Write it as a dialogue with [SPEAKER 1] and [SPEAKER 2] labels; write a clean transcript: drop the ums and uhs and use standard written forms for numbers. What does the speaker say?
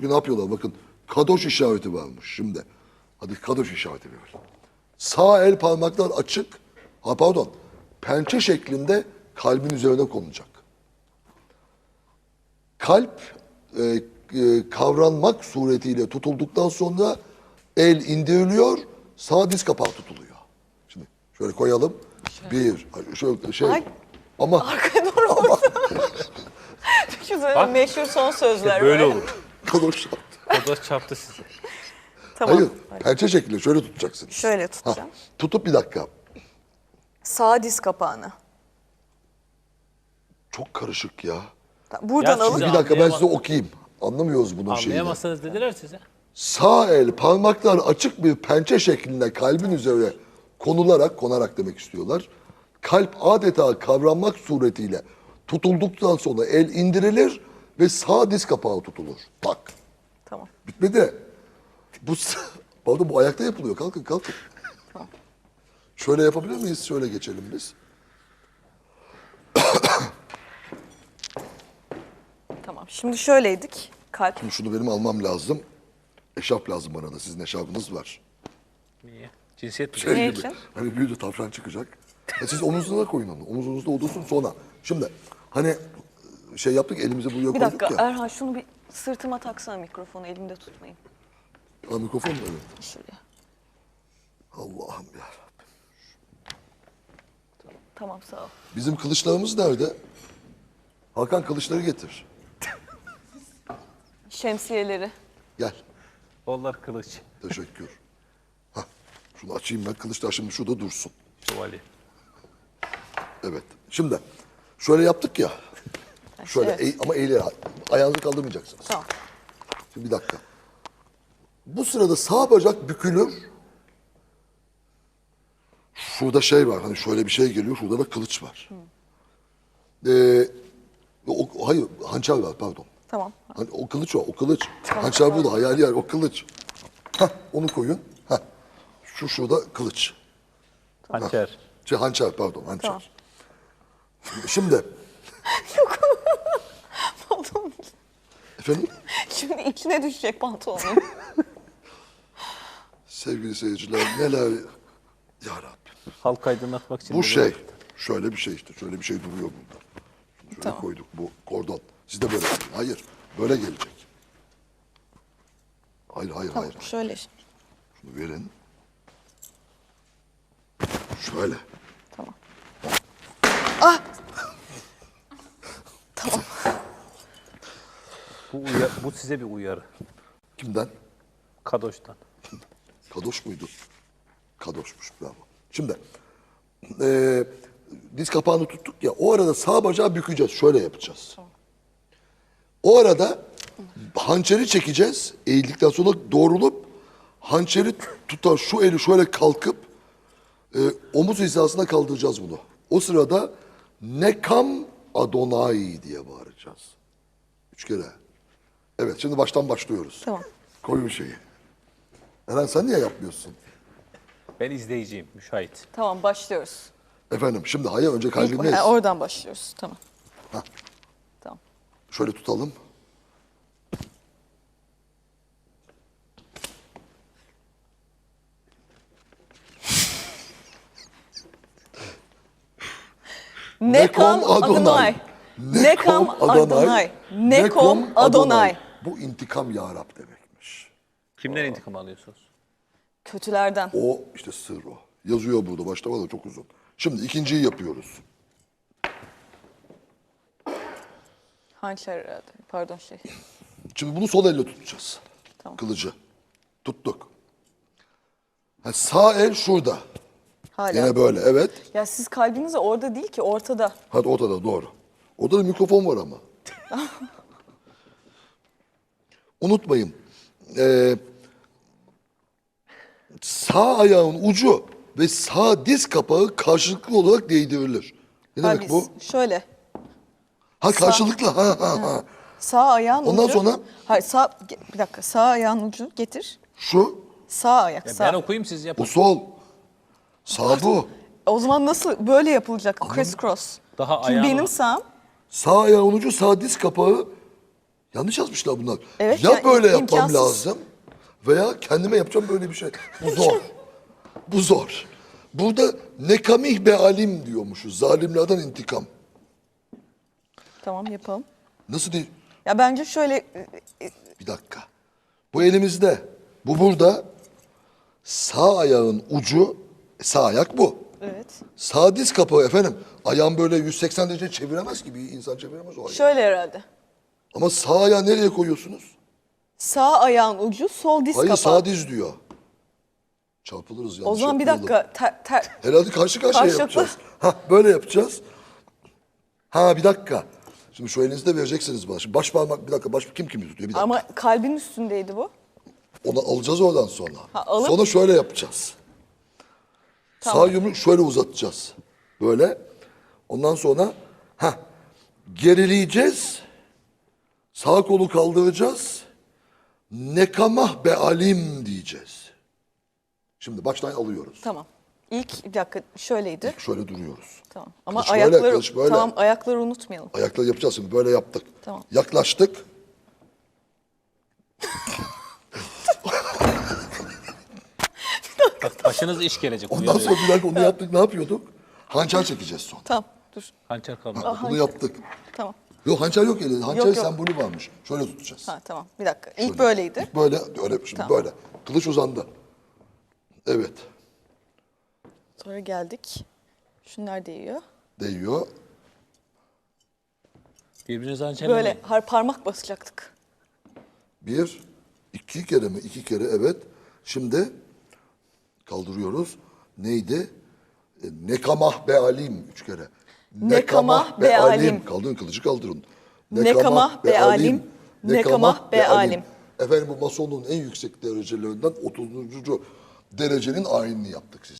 [SPEAKER 1] Çünkü ne yapıyorlar bakın. Kadoş işareti varmış şimdi. Hadi kadoş işareti ver. Sağ el parmaklar açık. Ha pardon. Pençe şeklinde kalbin üzerine konulacak. Kalp kavranmak suretiyle tutulduktan sonra el indiriliyor, sağ diz kapağı tutuluyor. Şimdi şöyle koyalım. Bir, şöyle şey.
[SPEAKER 2] Ay.
[SPEAKER 1] Ama
[SPEAKER 2] Arkaya doğru Düşünsene meşhur son sözler.
[SPEAKER 3] Böyle olur.
[SPEAKER 1] kadoş yaptı.
[SPEAKER 3] Kadoş çarptı sizi.
[SPEAKER 2] Tamam.
[SPEAKER 1] Hayır, pençe şeklinde şöyle tutacaksınız.
[SPEAKER 2] Şöyle
[SPEAKER 1] Ha,
[SPEAKER 2] tutacağım.
[SPEAKER 1] tutup bir dakika.
[SPEAKER 2] Sağ diz kapağını.
[SPEAKER 1] Çok karışık ya.
[SPEAKER 2] Buradan
[SPEAKER 3] Ya
[SPEAKER 2] alıp
[SPEAKER 3] size-
[SPEAKER 1] Bir dakika ben size
[SPEAKER 3] Anlayamaz-
[SPEAKER 1] okuyayım. Anlamıyoruz bunun şeyini.
[SPEAKER 3] Anlayamazsanız dediler size.
[SPEAKER 1] Sağ el parmaklar açık bir pençe şeklinde kalbin üzerine konarak demek istiyorlar. Kalp adeta kavranmak suretiyle tutulduktan sonra el indirilir ve sağ diz kapağı tutulur. Tak.
[SPEAKER 2] Tamam.
[SPEAKER 1] Bitmedi. Pardon, bu ayakta yapılıyor. Kalkın kalkın. Şöyle yapabilir miyiz? Şöyle geçelim biz.
[SPEAKER 2] Tamam. Şimdi şöyleydik. Kalp.
[SPEAKER 1] Şimdi şunu benim almam lazım. Eşarp lazım bana da. Sizin eşarpınız var.
[SPEAKER 3] Niye? Cinsiyet mi?
[SPEAKER 1] Şey
[SPEAKER 2] Ne
[SPEAKER 1] gibi.
[SPEAKER 2] için?
[SPEAKER 1] Hani büyüdü tavşan çıkacak. Siz omuzunuza koyun onu. Omuzunuzda olursun sonra. Şimdi hani şey yaptık elimizi buraya
[SPEAKER 2] Bir
[SPEAKER 1] koyduk
[SPEAKER 2] dakika
[SPEAKER 1] ya.
[SPEAKER 2] Erhan şunu bir sırtıma taksana mikrofonu elimde tutmayayım.
[SPEAKER 1] Ha, mikrofon mu? Evet.
[SPEAKER 2] Şuraya.
[SPEAKER 1] Allah'ım ya.
[SPEAKER 2] Tamam sağ ol.
[SPEAKER 1] Bizim kılıçlarımız nerede? Hakan kılıçları getir.
[SPEAKER 2] Şemsiyeleri.
[SPEAKER 1] Gel.
[SPEAKER 3] Onlar kılıç.
[SPEAKER 1] Teşekkür. Hah, şunu açayım ben. Kılıçlar şimdi şurada dursun.
[SPEAKER 3] Şövalye.
[SPEAKER 1] Evet. Şimdi şöyle yaptık ya. Şöyle
[SPEAKER 2] Evet.
[SPEAKER 1] ama ayağınızı kaldırmayacaksınız.
[SPEAKER 2] Tamam.
[SPEAKER 1] Şimdi bir dakika. Bu sırada sağ bacak bükülür. Şurada şey var. Hani şöyle bir şey geliyor. Şurada da kılıç var. Hayır, hançer var pardon.
[SPEAKER 2] Tamam.
[SPEAKER 1] Hani o kılıç o, o kılıç. Hançer burada, hayali yer, o kılıç. Hah, onu koyun. Hah. Şurada kılıç.
[SPEAKER 3] Hançer.
[SPEAKER 1] Hançer pardon, hançer.
[SPEAKER 2] Tamam.
[SPEAKER 1] Şimdi,
[SPEAKER 2] Pantolon.
[SPEAKER 1] efendim,
[SPEAKER 2] Şimdi içine düşecek pantolonun.
[SPEAKER 1] sevgili seyirciler neler... Ya Rabbim.
[SPEAKER 3] Halk aydınlatmak için.
[SPEAKER 1] Bu
[SPEAKER 3] de
[SPEAKER 1] şey, şöyle bir şey işte, şöyle bir şey duruyor burada. Şunu şöyle
[SPEAKER 2] Tamam.
[SPEAKER 1] koyduk, bu kordon. Siz de böyle yapın. Hayır, böyle gelecek. Hayır, hayır.
[SPEAKER 2] Şöyle.
[SPEAKER 1] Şunu verin. Şöyle.
[SPEAKER 2] Tamam. Ah! Tamam.
[SPEAKER 3] Bu size bir uyarı.
[SPEAKER 1] Kimden?
[SPEAKER 3] Kadoş'tan.
[SPEAKER 1] Kadoş muydu? Kadoşmuş, bravo. Şimdi, diz kapağını tuttuk ya, o arada sağ bacağı bükeceğiz, şöyle yapacağız. O arada hançeri çekeceğiz, eğildikten sonra doğrulup, hançeri tutar, şu eli şöyle kalkıp, omuz hizasına kaldıracağız bunu. O sırada Nekam Adonai diye bağıracağız. 3 kere. Evet, şimdi baştan başlıyoruz.
[SPEAKER 2] Tamam.
[SPEAKER 1] Koyun şeyi. Eren sen niye yapmıyorsun?
[SPEAKER 3] Ben izleyiciyim, müşahit.
[SPEAKER 2] Tamam başlıyoruz.
[SPEAKER 1] Efendim şimdi hayır önce
[SPEAKER 2] İlk,
[SPEAKER 1] kalbindeyiz.
[SPEAKER 2] oradan başlıyoruz. Tamam.
[SPEAKER 1] Hah.
[SPEAKER 2] Tamam.
[SPEAKER 1] Şöyle tutalım.
[SPEAKER 2] Nekam Adonai. Nekam Adonai. Nekom Adonai.
[SPEAKER 1] Bu intikam ya Rab demekmiş.
[SPEAKER 3] Kimden intikam alıyorsunuz?
[SPEAKER 2] Kötülerden.
[SPEAKER 1] O işte sır o. Yazıyor burada başta var da çok uzun. Şimdi ikinciyi yapıyoruz.
[SPEAKER 2] Hançer herhalde. Pardon şey.
[SPEAKER 1] Şimdi bunu sol elle tutacağız.
[SPEAKER 2] Tamam.
[SPEAKER 1] Kılıcı. Tuttuk. Ha, sağ el şurada.
[SPEAKER 2] Hala.
[SPEAKER 1] Yine böyle evet.
[SPEAKER 2] Ya siz kalbiniz de orada değil ki ortada.
[SPEAKER 1] Hadi ortada doğru. Orada da mikrofon var ama. Unutmayın. Sağ ayağın ucu ve sağ diz kapağı karşılıklı olarak değdirilir. Ne demek bu?
[SPEAKER 2] Şöyle.
[SPEAKER 1] Ha karşılıklı. Ha.
[SPEAKER 2] Sağ ayağın
[SPEAKER 1] Ondan
[SPEAKER 2] ucu.
[SPEAKER 1] sonra?
[SPEAKER 2] Hayır bir dakika. Sağ ayağın ucu getir.
[SPEAKER 1] Şu,
[SPEAKER 2] Sağ ayak.
[SPEAKER 3] Ya
[SPEAKER 2] Sağ.
[SPEAKER 3] ben okuyayım siz yapın.
[SPEAKER 1] bu sol. Sağ bu.
[SPEAKER 2] O zaman nasıl böyle yapılacak? Criss cross.
[SPEAKER 3] Daha
[SPEAKER 2] Şimdi
[SPEAKER 3] ayağın
[SPEAKER 2] benim
[SPEAKER 3] var.
[SPEAKER 2] sağım.
[SPEAKER 1] Sağ ayağın ucu, sağ diz kapağı Yanlış yazmışlar bunlar.
[SPEAKER 2] Evet,
[SPEAKER 1] ya
[SPEAKER 2] yani
[SPEAKER 1] böyle yapmam
[SPEAKER 2] imkansız.
[SPEAKER 1] lazım veya kendime yapacağım böyle bir şey. Bu zor. Bu zor. Burada nekamih be alim diyormuşuz. Zalimlerden intikam.
[SPEAKER 2] Tamam yapalım.
[SPEAKER 1] Nasıl değil?
[SPEAKER 2] Ya bence şöyle
[SPEAKER 1] Bir dakika. Bu elimizde. Bu burada. Sağ ayağın ucu, sağ ayak bu.
[SPEAKER 2] evet.
[SPEAKER 1] Sağ diz kapağı efendim. Ayağın böyle 180 derece çeviremez ki. Bir insan çeviremez o ayağı.
[SPEAKER 2] Şöyle herhalde.
[SPEAKER 1] Ama sağ ayağı nereye koyuyorsunuz?
[SPEAKER 2] Sağ ayağın ucu, sol diz
[SPEAKER 1] Hayır
[SPEAKER 2] kapağı.
[SPEAKER 1] sağ diz diyor. Çarpılırız yanlış
[SPEAKER 2] O zaman bir
[SPEAKER 1] yapmayalım.
[SPEAKER 2] dakika.
[SPEAKER 1] Herhalde karşı karşıya
[SPEAKER 2] Karşılıklı.
[SPEAKER 1] yapacağız. Ha böyle yapacağız. Ha bir dakika. Şimdi şu elinizde vereceksiniz bana. Şimdi baş parmak bir dakika. Baş kim tutuyor? Bir dakika.
[SPEAKER 2] Ama kalbin üstündeydi bu.
[SPEAKER 1] Onu alacağız oradan sonra.
[SPEAKER 2] Ha, alıp-
[SPEAKER 1] Sonra şöyle yapacağız.
[SPEAKER 2] Tamam.
[SPEAKER 1] Sağ yumruğu şöyle uzatacağız. Böyle. Ondan sonra gerileyeceğiz. Sağ kolu kaldıracağız. Nekamah be alim diyeceğiz. Şimdi baştan alıyoruz.
[SPEAKER 2] Tamam. İlk bir dakika şöyleydi.
[SPEAKER 1] Şöyle duruyoruz.
[SPEAKER 2] Tamam. Ama
[SPEAKER 1] Kılıç böyle,
[SPEAKER 2] ayakları
[SPEAKER 1] kılıç böyle.
[SPEAKER 2] tamam ayakları unutmayalım.
[SPEAKER 1] Ayakları yapacağız şimdi. Böyle yaptık.
[SPEAKER 2] Tamam.
[SPEAKER 1] Yaklaştık.
[SPEAKER 3] Bak başınız iş gelecek.
[SPEAKER 1] Ondan
[SPEAKER 3] uyarıyorum.
[SPEAKER 1] sonra bir dakika onu yaptık. Ne yapıyorduk? Hançer çekeceğiz sonra.
[SPEAKER 2] Tamam. Dur.
[SPEAKER 3] Hançer kalmadı.
[SPEAKER 1] Bunu yaptık.
[SPEAKER 2] Tamam.
[SPEAKER 1] Yok hançer yok elinde. Hançer
[SPEAKER 2] Yok, yok.
[SPEAKER 1] sembolü varmış. Şöyle tutacağız.
[SPEAKER 2] Ha tamam. Bir dakika. İlk böyleydi.
[SPEAKER 1] İlk böyle, öyle şimdi
[SPEAKER 2] Tamam.
[SPEAKER 1] böyle. Kılıç uzandı. Evet.
[SPEAKER 2] Sonra geldik. Şunlar değiyor.
[SPEAKER 1] Değiyor.
[SPEAKER 3] Birbirinize hançerle
[SPEAKER 2] Böyle
[SPEAKER 3] mi?
[SPEAKER 2] parmak basacaktık.
[SPEAKER 1] Bir, iki kere mi? İki kere evet. Şimdi kaldırıyoruz. Neydi? Nekamah be alim. Üç kere.
[SPEAKER 2] Nekamah be alim.
[SPEAKER 1] Kaldırın kılıcı kaldırın.
[SPEAKER 2] Nekamah be alim. Nekamah be alim.
[SPEAKER 1] Efendim bu masonluğun en yüksek derecelerinden 30. derecenin ayinini yaptık siz.